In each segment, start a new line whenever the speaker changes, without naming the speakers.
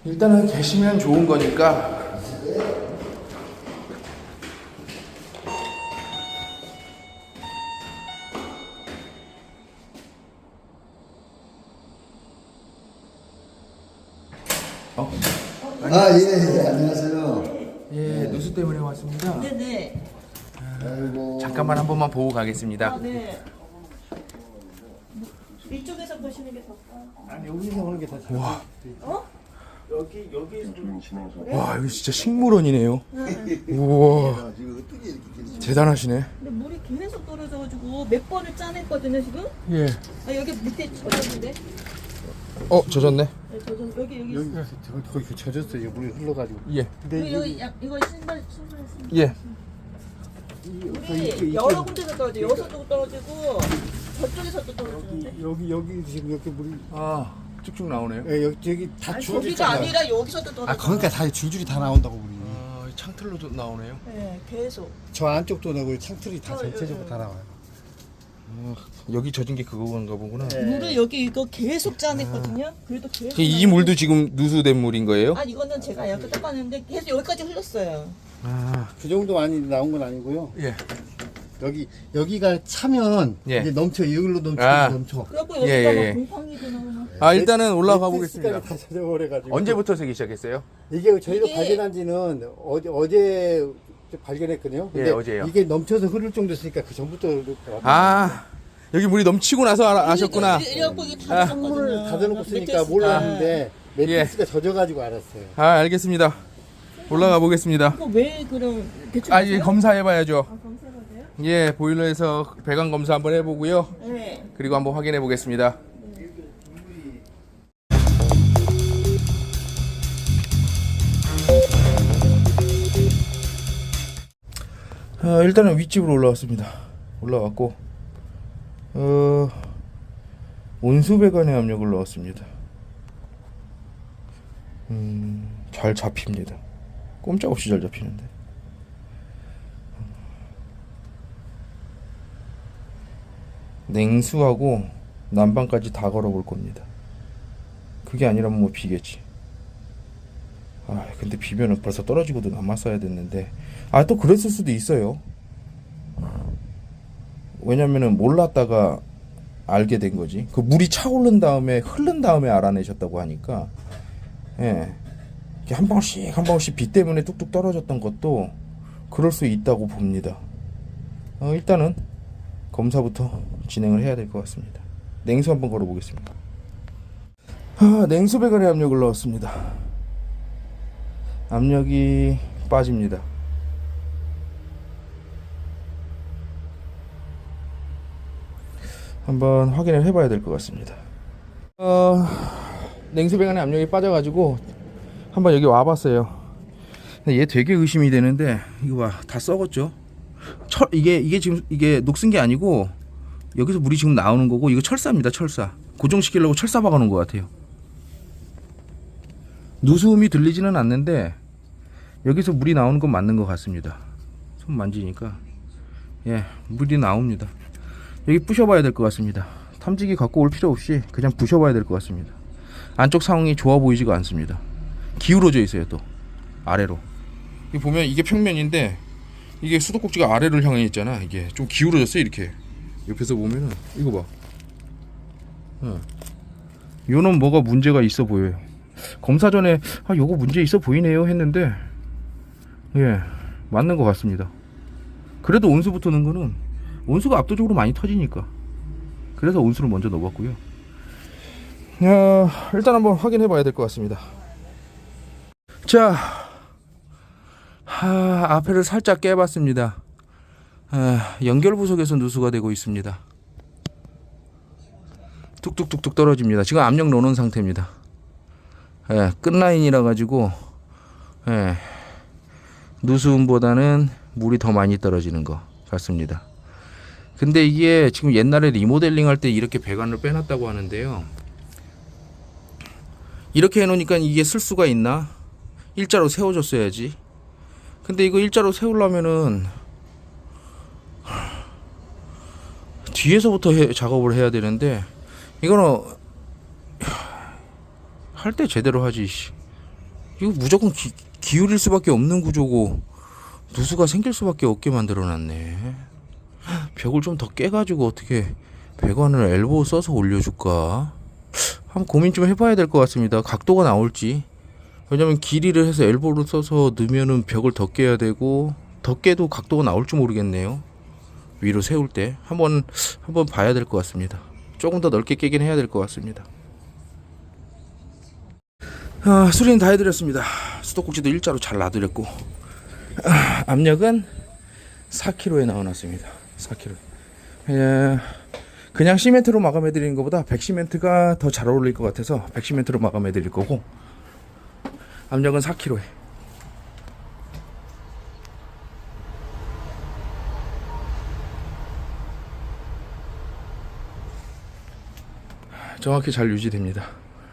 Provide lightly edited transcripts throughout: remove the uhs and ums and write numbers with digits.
일단은 계시면 좋은 거니까.
예, 안녕하세요.
예, 누수 때문에 왔습니다.
네네.
아이고.
잠깐만 한 번만 보고 가겠습니다.
아, 네. 이쪽에서 보시는 게 더 나아요.
아니, 여기서 오는 게 더 잘.
와,
어?
와, 여기 진짜 식물원이네요. 우와,
지금 어떻게 이렇게 길이
대단하시네.
근데 물이 계속 떨어져가지고 몇 번을 짜냈거든요 지금.
예.
아 여기 밑에 젖었는데.
젖었네.
네, 여기.
여기 거기 젖었어요. 물이 흘러가지고.
예.
근데
여기 이거 신발 신발.
예.
물이 여러 군데서 떨어져. 여기서도 떨어지고 저쪽에서도 떨어지는데.
여기 지금 이렇게 물이
쭉쭉 나오네요.
예, 여기 다
아니,
줄줄이
저기가 아니라 여기서도 떨어져.
아, 그러니까 다 줄줄이 다 나온다고 물이.
창틀로도 나오네요.
네, 계속.
저 안쪽도 나고 창틀이 다
어,
전체적으로
예,
다 나와요.
여기 젖은 게 그건가 보구나.
네.
물을 여기 이거 계속 짜냈거든요. 그래도 계속.
이 물도 지금 누수된 물인 거예요?
아 이거는 제가 이렇게 닦았는데 계속 여기까지 흘렀어요.
그 정도 많이 나온 건 아니고요.
예.
여기가 차면
예.
이제 넘쳐. 이걸로 넘쳐.
그래갖고 여기가
예, 예.
막 곰팡이도 나오고.
일단은 올라가 보겠습니다.
다 젖어버려가지고.
언제부터 새기 시작했어요?
이게 저희가
이게-
발견한 지는 어제 발견했거든요. 근데
어제요.
이게 넘쳐서 흐를 정도였으니까 그 전부터 왔다.
여기 물이 넘치고 나서 아셨구나.
이래갖고 이게 다
창문을
젖었거든요.
닫아놓고 쓰니까
매트리스가.
몰랐는데 매트리스가 젖어가지고 알았어요.
알겠습니다. 올라가 보겠습니다.
이거 왜 그럼 대충
이제 검사해봐야죠.
검사해봐요?
예, 보일러에서 배관 검사 한번 해보고요.
네.
그리고 한번 확인해 보겠습니다. 일단은 윗집으로 올라왔습니다. 올라왔고 온수배관의 압력을 넣었습니다. 잘 잡힙니다. 꼼짝없이 잘 잡히는데. 냉수하고 난방까지 다 걸어볼 겁니다. 그게 아니라면 뭐 비겠지. 근데 비면은 벌써 떨어지고도 남았어야 됐는데 또 그랬을 수도 있어요. 왜냐면은 몰랐다가 알게 된 거지. 그 물이 차오른 다음에 흐른 다음에 알아내셨다고 하니까 이렇게 한 방울씩 비 때문에 뚝뚝 떨어졌던 것도 그럴 수 있다고 봅니다. 일단은 검사부터 진행을 해야 될 것 같습니다. 냉수 한번 걸어 보겠습니다. 냉수 배관의 압력을 넣었습니다. 압력이 빠집니다. 한번 확인을 해봐야 될 것 같습니다. 냉수 배관의 압력이 빠져가지고 한번 여기 와봤어요. 근데 얘 되게 의심이 되는데 이거 봐, 다 썩었죠. 이게 지금 이게 녹슨 게 아니고 여기서 물이 지금 나오는 거고 이거 철사입니다. 철사. 고정시키려고 철사 박아놓은 것 같아요. 누수음이 들리지는 않는데 여기서 물이 나오는 건 맞는 것 같습니다. 손 만지니까 물이 나옵니다. 여기 부셔봐야 될 것 같습니다. 탐지기 갖고 올 필요 없이 그냥 부셔봐야 될 것 같습니다. 안쪽 상황이 좋아 보이지가 않습니다. 기울어져 있어요. 또 아래로. 여기 보면 이게 평면인데 이게 수도꼭지가 아래를 향해 있잖아. 이게 좀 기울어졌어. 이렇게 옆에서 보면은 이거 봐. 요는 뭐가 문제가 있어 보여요. 검사 전에 요거 문제 있어 보이네요 했는데 맞는 것 같습니다. 그래도 온수부터 넣은 거는 온수가 압도적으로 많이 터지니까 그래서 온수를 먼저 넣어봤고요. 일단 한번 확인해 봐야 될 것 같습니다. 자, 앞에를 살짝 깨봤습니다. 연결 부속에서 누수가 되고 있습니다. 뚝뚝뚝뚝 떨어집니다. 지금 압력 넣는 상태입니다. 끝라인이라 가지고 누수음보다는 물이 더 많이 떨어지는 것 같습니다. 근데 이게 지금 옛날에 리모델링 할 때 이렇게 배관을 빼놨다고 하는데요. 이렇게 해놓으니까 이게 쓸 수가 있나? 일자로 세워줬어야지. 근데 이거 일자로 세우려면은 뒤에서부터 작업을 해야 되는데 이거는 할 때 제대로 하지. 이거 무조건 기울일 수밖에 없는 구조고 누수가 생길 수밖에 없게 만들어놨네. 벽을 좀 더 깨가지고 어떻게 배관을 엘보우 써서 올려줄까? 한번 고민 좀 해봐야 될 것 같습니다. 각도가 나올지. 왜냐면 길이를 해서 엘보를 써서 넣으면은 벽을 더 깨야 되고, 더 깨도 각도가 나올지 모르겠네요. 위로 세울 때 한번 봐야 될 것 같습니다. 조금 더 넓게 깨긴 해야 될 것 같습니다. 수리는 다 해드렸습니다. 수도꼭지도 일자로 잘 놔드렸고, 압력은 4kg에 넣어놨습니다. 4kg. 그냥 시멘트로 마감해드리는 것보다 백시멘트가 더 잘 어울릴 것 같아서 백시멘트로 마감해드릴 거고, 압력은 4kg에. 정확히 잘 유지됩니다.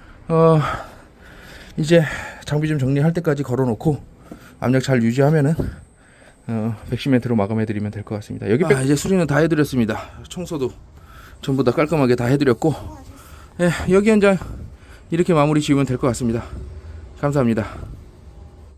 이제 장비 좀 정리할 때까지 걸어놓고 압력 잘 유지하면은 백시멘트로 마감해드리면 될 것 같습니다. 여기 이제 수리는 다 해드렸습니다. 청소도 전부 다 깔끔하게 다 해드렸고, 여기 현장 이렇게 마무리 지으면 될 것 같습니다. 감사합니다.